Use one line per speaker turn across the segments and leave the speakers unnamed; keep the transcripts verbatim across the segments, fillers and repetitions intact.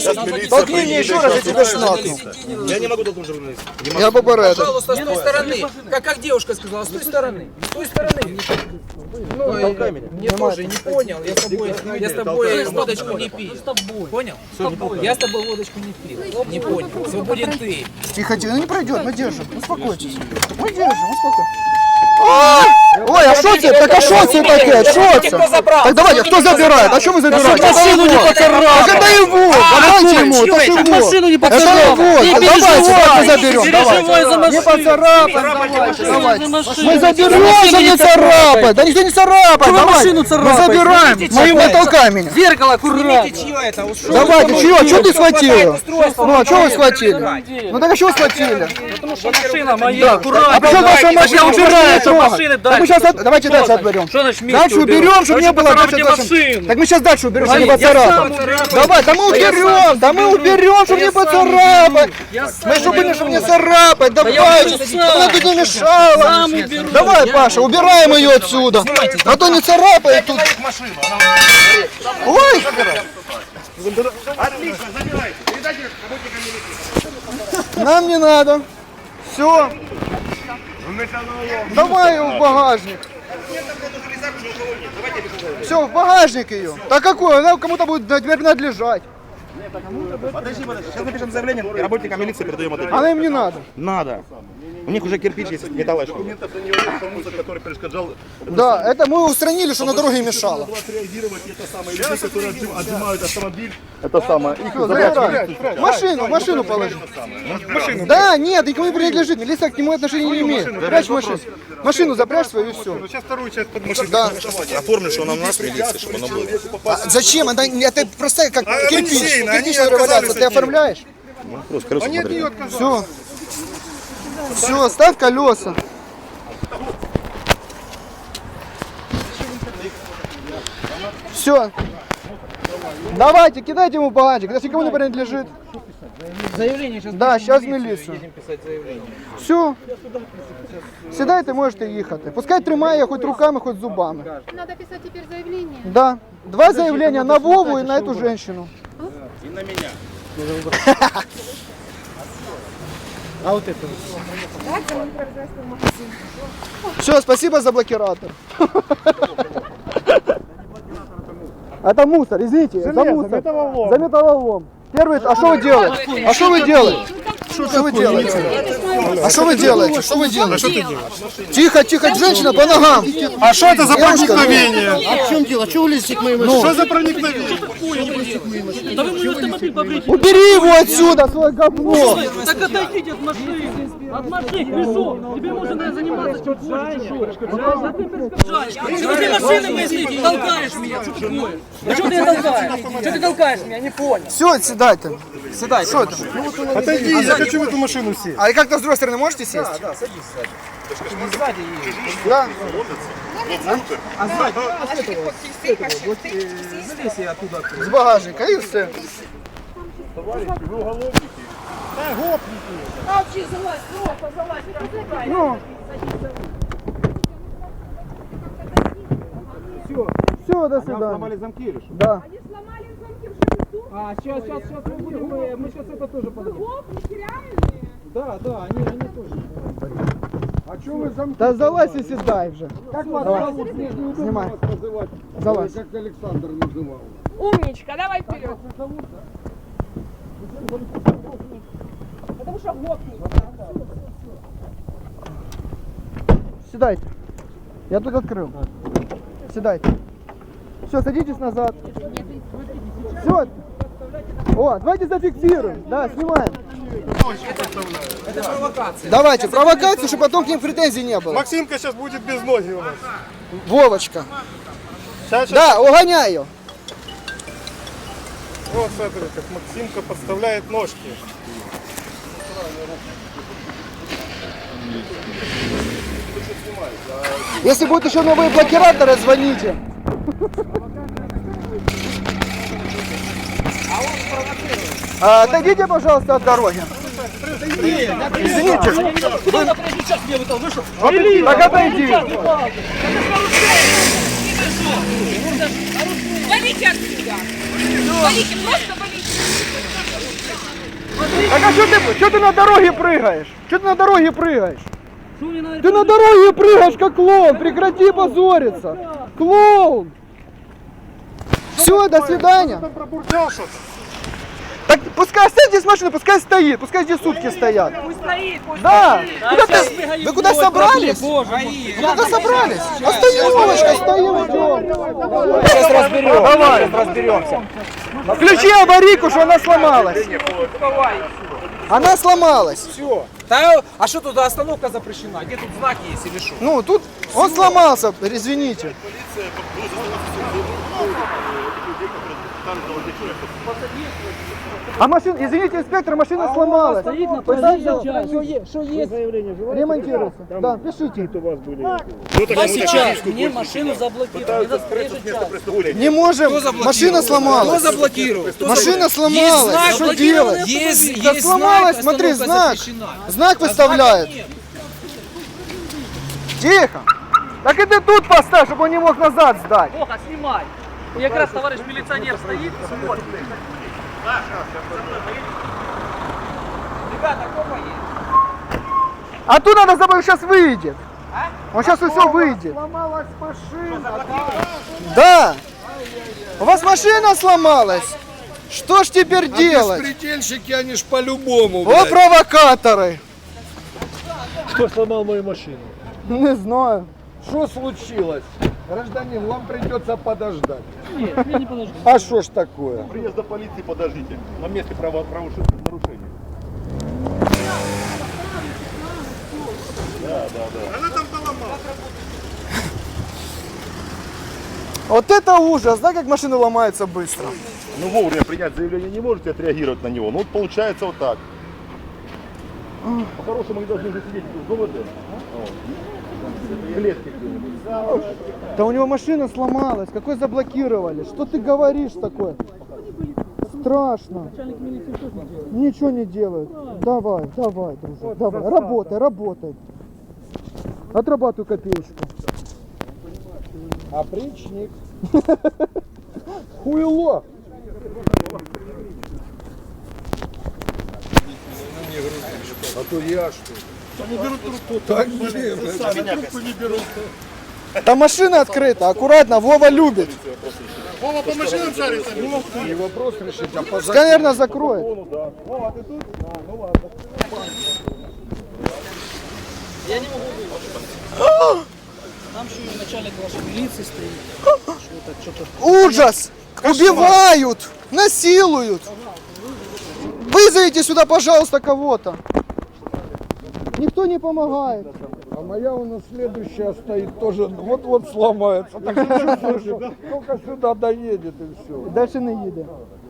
Толкни меня еще раз, я тебя шнакну.
Я не могу толкнуть журналиста.
Я попереду.
Пожалуйста, с той стороны. Как, как девушка сказала, с той стороны. С той стороны. Ну,
толкай меня.
мне тоже не понял. Я с тобой, я с тобой водочку не пил. Понял? Я с тобой водочку не пил. Не понял. Свободен ты.
Тихо, тихо, ну не пройдет, мы держим. Успокойтесь. Мы держим, успокойтесь. Ой, а что тебе? Так а что тебе такое? Что тебе? Так давайте, кто забирает? А что вы забираете?
Машину не поцарапал.
Так это его! Давайте ему, это же его!
Машину не
Это
поцарапал.
его! Давайте, давайте заберем,
Переживай за
давайте! Не
машину.
поцарапаем, давайте, давайте!
машину.
Мы заберем, что не царапать! Да никто не царапает!
Вы
Давайте!
машину
Мы
царапаете.
забираем! Мы не толкай меня!
Зеркало аккуратно.
Чье это? Ушел.
Давайте, чего? Что ты схватил? Ну, а что вы схватили? Ну так а что схватили?
Потому что машина моя, аккуратно.
А почему ваша машина?
убираю, что
Трогай.
машины
Так
дальше.
мы сейчас, от- давайте дальше отберем.
Что значит вместе
Дальше уберем, чтобы не было
поцарапать
дальше дальше.
машину.
Так мы сейчас дальше уберем, чтобы не
Я
поцарапать.
сам уберу.
Давай, да мы уберем, да мы уберем, чтобы не поцарапать.
Я сам
Мы чтобы были,
уберу.
чтобы не царапать, давай,
уберу
чтобы
сам.
она тут не мешала.
Сам уберу.
Давай, Паша, убираем ее отсюда. А то не царапает тут.
Машину.
Ой,
Отлично, забирайте. Передайте работникам милиции.
нам не надо. Все, давай в багажник. Все, в багажник ее. Да какой? Она кому-то будет принадлежать.
Подожди, подожди. Сейчас напишем заявление и работникам милиции передаем это.
Она им не надо.
Надо. У них уже кирпич есть, металлолом.
который перешкоджал
Да, это мы устранили, что на дороге мешало.
отреагировать, это самое, люди, которые отжим- отжимают автомобиль, это самое, их
Всё, забирай. Машину, в машину положи. Да, нет, никому не принадлежит, милиция к нему отношения не имеет. Прячь машину. Машину запрячь свою и все.
сейчас вторую часть под машину.
Да.
Оформлю, что она у нас милиция, чтобы она была.
А зачем? Это, это просто как
А,
кирпич.
Алексей, они
Кирпич надо
отказались
Ты
от нее.
оформляешь?
Просто колеса смотри.
Все. Все, ставь колеса. Все. Давайте, кидайте ему в багажник, если никому не принадлежит.
Заявление сейчас.
Да, сейчас в міліцію.
Едем писать заявление.
Все. Сідайте, можете їхати. Пускай тримає хоч руками, хоч зубами.
Надо писать теперь заявление.
Да. Два заявления на Вову и на эту женщину.
И на меня.
А вот это.
Все, спасибо за блокиратор. Это мусор, извините, за мусор. За металлолом. Первый, а что вы делаете? А что вы делаете? Что вы делаете? А что вы делаете? Что вы делаете? Тихо, тихо, женщина по ногам.
А что это за
Девушка,
проникновение?
А в чем дело? Чего вы лезете к моему?
Что за проникновение?
Да вы мой автомобиль побрите.
Убери его отсюда, свое говно.
Так отойдите от машины. От машины, пришел. Тебе можно заниматься чем хочешь. Да ты перешкоджаешь. Чего ты машины мысли толкаешь меня? Что такое? А что ты меня толкаешь? Что ты толкаешь меня? Не понял.
Все, седайте. Седайте. Что это?
Отойди, я хочу в эту машину сесть.
А и как-то с другой стороны можете сесть? Да, да, садись сзади. Да. С багажника и все. Ну. Все, все, до свидания.
Замки или что?
Да.
А, сейчас, сейчас, сейчас мы будем, мы, мы сейчас это тоже подадим. Да, да, они, они тоже.
А что вы замки?
Да залазь и седай уже.
Как вас
Давай.
зовут? Мне ж неудобно
Снимай.
вас называть.
Залазь.
Как Александр называл.
Умничка, давай вперед. Потому что гопник.
Седайте. Я тут открыл. Седайте. Все, садитесь назад. Все. О, давайте зафиксируем. Да, снимаем.
Это провокация.
Давайте, провокацию, чтобы потом к ним претензий не было.
Максимка сейчас будет без ноги у нас.
Вовочка.
Сейчас, сейчас.
Да, угоняй ее.
Вот смотри, как Максимка подставляет ножки.
Если будут еще новые блокираторы, звоните. А, отойдите, пожалуйста, от дороги. Извините. Вы... Так отойди.
Валите отсюда. Валите, просто валите.
Так а что ты, что ты на дороге прыгаешь? Что ты на дороге прыгаешь?
Что мне на
Ты на дороге прыгаешь, как клоун. Прекрати позориться. Клоун. Все, до свидания.
Пробурчал что-то.
Так пускай оставьте с машины, пускай стоит, пускай здесь сутки стоят.
Пусть стоит, пусть
Да.
стоит.
Куда ты? Вы куда собрались? Вы куда собрались? Остановочка, стоим, идем.
Сейчас разберем.
Давай.
Сейчас разберемся.
Включи аварийку, что она сломалась. Она сломалась.
Да, а что тут остановка запрещена? Где тут знаки есть или что?
Ну, тут он сломался, извините. А машина, извините, инспектор, машина сломалась.
Стоит на
Пожалуйста,
проезжей части.
что есть? Ремонтируется. Да, пишите.
А сейчас мне машину заблокировали. Это проезжая часть.
Не можем, машина
Кто
сломалась.
заблокировал? Кто
Машина
заблокировал?
сломалась, что делать?
Есть,
Да
есть
сломалась,
знак,
смотри,
остановка
знак.
запрещена.
Знак
А
выставляет.
знака нет.
Тихо. Так и ты тут поставь, чтобы он не мог назад сдать.
Плохо, снимай. И как раз товарищ милиционер стоит, смотрит.
Ребята, кто поедет?
А тут надо забыть, сейчас выйдет. Он сейчас все выйдет.
Сломалась машина.
Да. У вас машина сломалась. Что ж теперь делать?
Беспредельщики, они ж по-любому.
О, провокаторы.
Кто сломал мою машину?
Не знаю.
Что случилось? Гражданин, вам придется подождать.
Нет, я не подожду.
А что ж такое?
Приезда полиции подождите. На месте право- правоуши- нарушения.
Вот это ужас, да, как машины ломаются быстро.
Ну вовремя принять заявление не можете отреагировать на него. Ну вот получается вот так. По-хорошему они должны уже сидеть в ГУВД. Вот. В клетке где-нибудь.
Да у него машина сломалась, какой заблокировали? Что ты говоришь такое? Страшно.
Начальник милиции что делает?
Ничего не делают. Давай, давай, дружок, давай, работай, работай. Отрабатывай копеечку.
Опричник. Хуйло. А то я что? Они берут трубку. Так не берут.
Там машина открыта, аккуратно, Вова любит.
Вова, по машинам шарится. Не вопрос решить, а по
Сканер закроет.
Я не могу выйти. Там еще и начальник вашей милиции стоит. Что-то, что-то.
Ужас! Убивают! Насилуют! Вызовите сюда, пожалуйста, кого-то. Никто не помогает.
А моя у нас следующая стоит тоже, вот-вот сломается. Так что чувствую, что только сюда доедет и все.
Дальше не їде.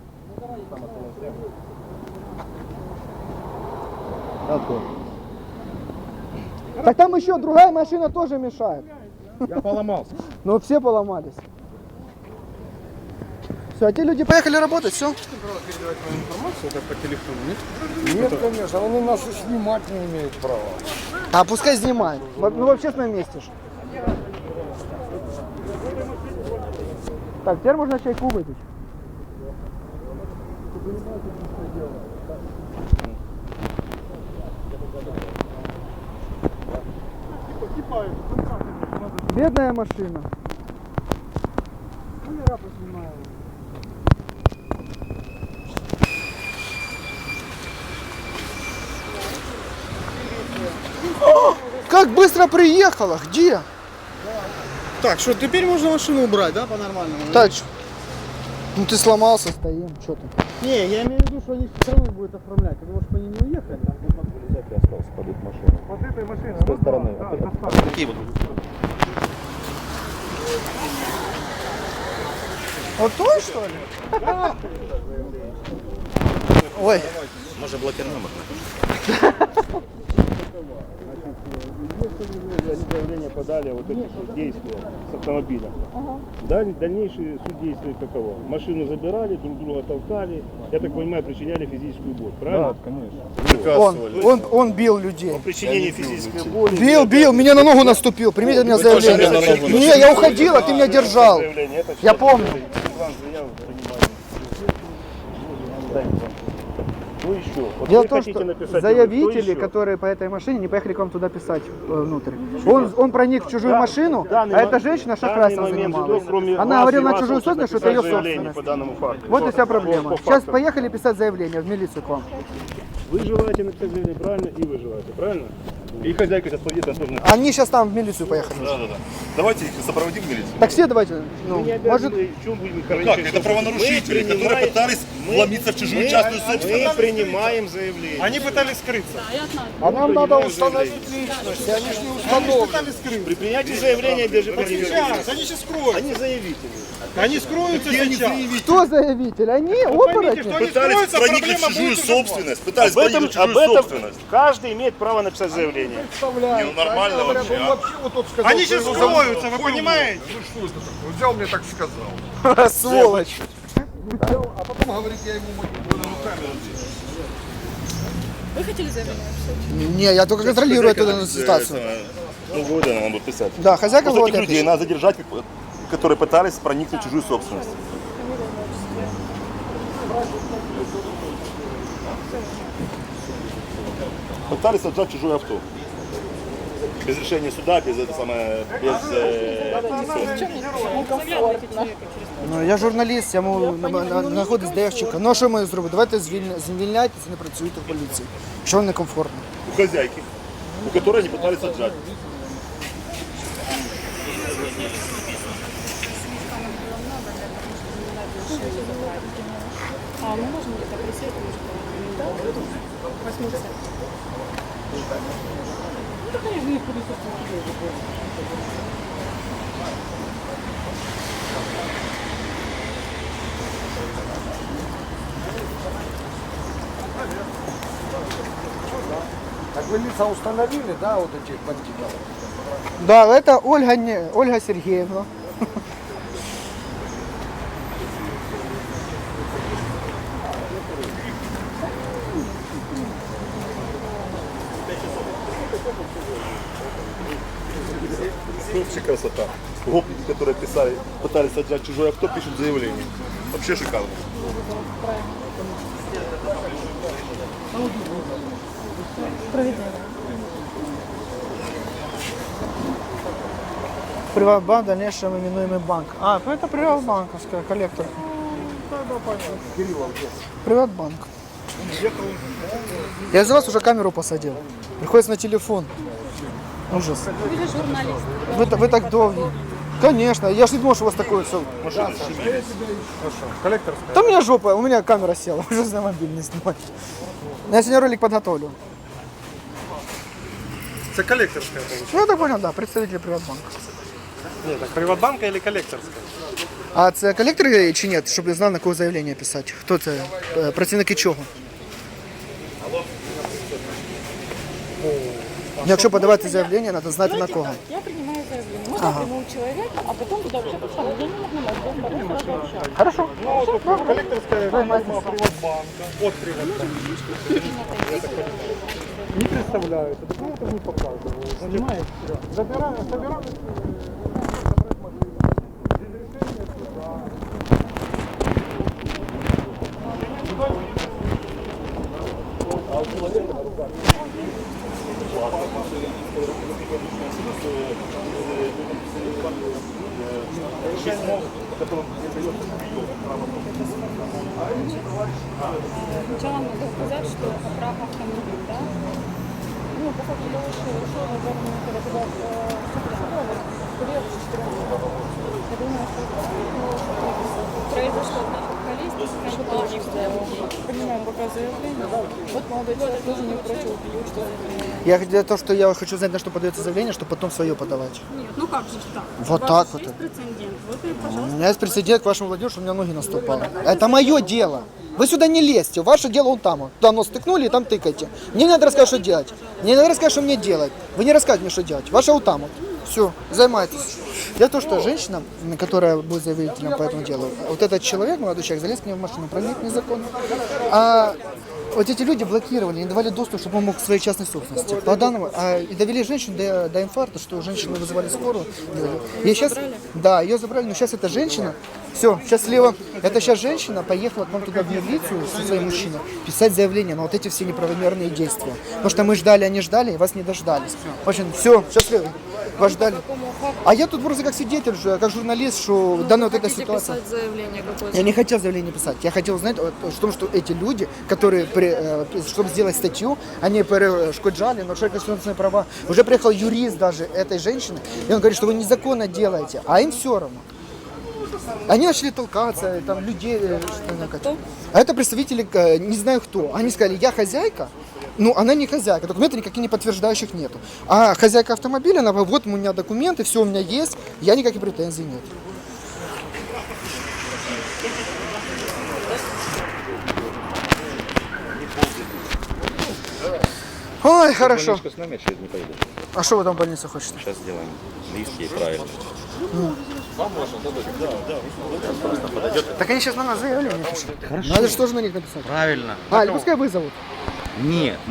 Так там еще другая машина тоже мешает.
Я поломался.
Но все поломались. Все, а те люди поехали работать, все.
Нет, конечно, они нас и снимать не имеют права.
А пускай снимают. Во- Ну в общественном месте ж. Так, теперь можно чайку выпить. Бедная машина. О, как быстро приехала, где?
Так, что теперь можно машину убрать, да, по-нормальному?
Так, ну ты сломался, стоим, что ты?
Не, я имею в виду, что они все равно будут оформлять, потому что они не уехали.
Остался под эту машину.
Вот этой машины.
С той стороны. Какие вот?
Вот той, что ли? Ой.
Может блокер номер?
Они заявление подали о вот этих вот действиях с автомобилем. Даль- Дальнейшие суть действия каково? Машину забирали, друг друга толкали, я так понимаю, причиняли физическую боль, правильно?
Да, конечно.
Он, он, он бил людей.
Причинение физической боли.
Бил, бил, меня на ногу наступил. Примите меня заявление. Не, я уходил, а ты меня держал.
Заявление. Это
Я
всё
помню.
Иван заяву принимали. Дай мне. Что еще? Вот
Дело
вы
в том,
хотите
что
написать,
заявители,
что еще?
которые по этой машине, не поехали к вам туда писать э, внутрь. Он, он проник в чужую
Да,
машину,
данный
а
мо-
эта женщина
данный
шахрайством
момент,
занималась.
кроме
Она
вас
говорила
и
на
вас
чужую
лучше
собственность, что это ее
написать заявление
собственность.
по данному факту.
Вот и
По-
вся
по-
проблема.
по
Сейчас
факту.
поехали писать заявление в милицию к вам.
Вы желаете написать заявление, правильно? И вы желаете, правильно? И хозяйка сейчас подъедет, она тоже напишет.
Они сейчас там в милицию поехали.
Да, да, да. Давайте их сопроводим в милицию.
Так все давайте, ну,
Мы не
может,
обязаны, в чем будем
Как?
ограничивать?
Это правонарушители,
Мы
которые
принимаем-
пытались
мы-
вломиться в чужую
мы-
частную
Мы
собственность.
принимаем заявление.
Они пытались скрыться.
а нам надо
принимаем
установить личность, они ж не установлены.
При принятии заявления даже
Сейчас, они сейчас скроются.
Они заявители.
Они скроются
Где они
сейчас.
заявители?
Кто заявитель? Они,
поймите, что
оборотни.
они
Пытались
скроются,
проникнуть в
проблема
чужую
будет уже
собственность. Пытались
Об этом,
проникнуть в
об
чужую
этом
собственность.
каждый имеет право написать заявление.
Не, ну нормально вообще. а?
Они сейчас скроются, вы понимаете?
Взял мне так сказал.
Сволочь.
А потом говорит, я ему
Вы хотели заявление?
Не, я только контролирую эту данную ситуацию.
Ну, года надо будет писать.
Да, хозяйка
Вот
вот
таких людей надо задержать, которые пытались проникнуть в чужую собственность. Пытались отжать чужое авто. Без решения суда, без это самое, без э,
Ну, я журналіст, я можу знаходитись де я чекаю. Ну, а що маю зробити? Давайте звільня- звільняйтеся, не працюйте в поліції. Що вам некомфортно?
у хозяйки, у которой они пытались отжать.
А, ну можно где-то присесть, может, восьмидесят. Ну, так они в них присутствуют.
Так вы лица установили, да, вот этих бандитов?
Да, это Ольга, не, Ольга Сергеевна.
Вообще красота. Гопники, которые писали, пытались отжать чужое авто, пишут заявление. Вообще шикарно.
Приватбанк, в дальнейшем именуемый банк. А, ну это Приватбанковская, коллектор. Приватбанк. Я за вас уже камеру посадил. Приходится на телефон. Ужас.
Вы же журналист.
Вы, та- вы так долго. Конечно, я ж не думал, что у вас такое все.
Коллекторская.
Да у меня жопа, у меня камера села, уже на мобиль не снимать. Я сегодня ролик подготовлю.
Это коллекторская. получается.
Ну, я так понял, да, представитель Приватбанка.
Нет, так Приватбанка или коллекторская?
А це колектори чи ні, щоб я знав, на кого заявлення писати? Хто це? Е, Працівники чого? Якщо подавати заявлення, треба знати на кого.
Я принимаю заявление. Можно ага. прямому человеку, а потом туда вообще поставлю. Я не могу на вопрос сразу общаться.
Хорошо.
Коллекторская форма Приватбанка. От Приватбанка. Не представляют. Документы не показывают. Понимаете? Забираем, собираем.
Сначала надо указать, что прав автомобиль, да? Ну, по факту того, что решил, наверное, когда туда период я думаю, что произошло количество. Принимаем пока заявление. Вот молодой человек тоже не против, что
Я для того, что я хочу знать, на что подается заявление, чтобы потом свое подавать.
нет, ну как же так?
Вот
У вас
так
же
вот.
есть прецедент. Вот и,
У
пожалуйста.
меня есть прецедент к вашему владению, что у меня ноги наступало. Это мое дело. Вы сюда не лезьте, ваше дело вон там. Туда нос тыкнули и там тыкайте. Мне не надо рассказать, что делать. Мне не надо рассказать, что мне делать. Вы не рассказывайте мне, что делать. Ваше вот там вот. Все, займайтесь. Дело в том, что женщина, которая будет заявителем по этому делу, вот этот человек, молодой человек, залез к ней в машину, проник незаконно. А Вот эти люди блокировали, не давали доступ, чтобы он мог к своей частной собственности. По данному, а, и довели женщину до, до инфаркта, что женщины вызывали скорую. И сейчас, да, ее забрали, но сейчас эта женщина, все, сейчас слева, это сейчас женщина поехала к нам туда в милицию со своим мужчиной писать заявление на вот эти все неправомерные действия. Потому что мы ждали, они ждали, и вас не дождались. В общем, все, сейчас слева, вас ждали. А я тут просто как свидетель, же, как журналист, что данная вот эта ситуация.
Писать заявление какое-то?
Я не хотел заявление писать. Я хотел знать в том, что эти люди, которые, при, э, чтобы сделать статью, они перешкоджали, нарушали конституционные права. Уже приехал юрист даже этой женщины, и он говорит, что вы незаконно делаете, а им все равно. Они начали толкаться, там людей... э, что- А это представители, э, не знаю кто. Они сказали, я хозяйка. Ну, она не хозяйка, документов никаких не подтверждающих нету. А хозяйка автомобиля, она, вот у меня документы, все у меня есть, я никаких претензий нет. Ой, хорошо.
С нами я через не пойду.
А что вы там в больнице хотите?
Сейчас сделаем листки и правильно.
Так они сейчас на нас заявление пишут. Хорошо. Надо же тоже на них написать.
Правильно.
А, или пускай вызовут.
Нет.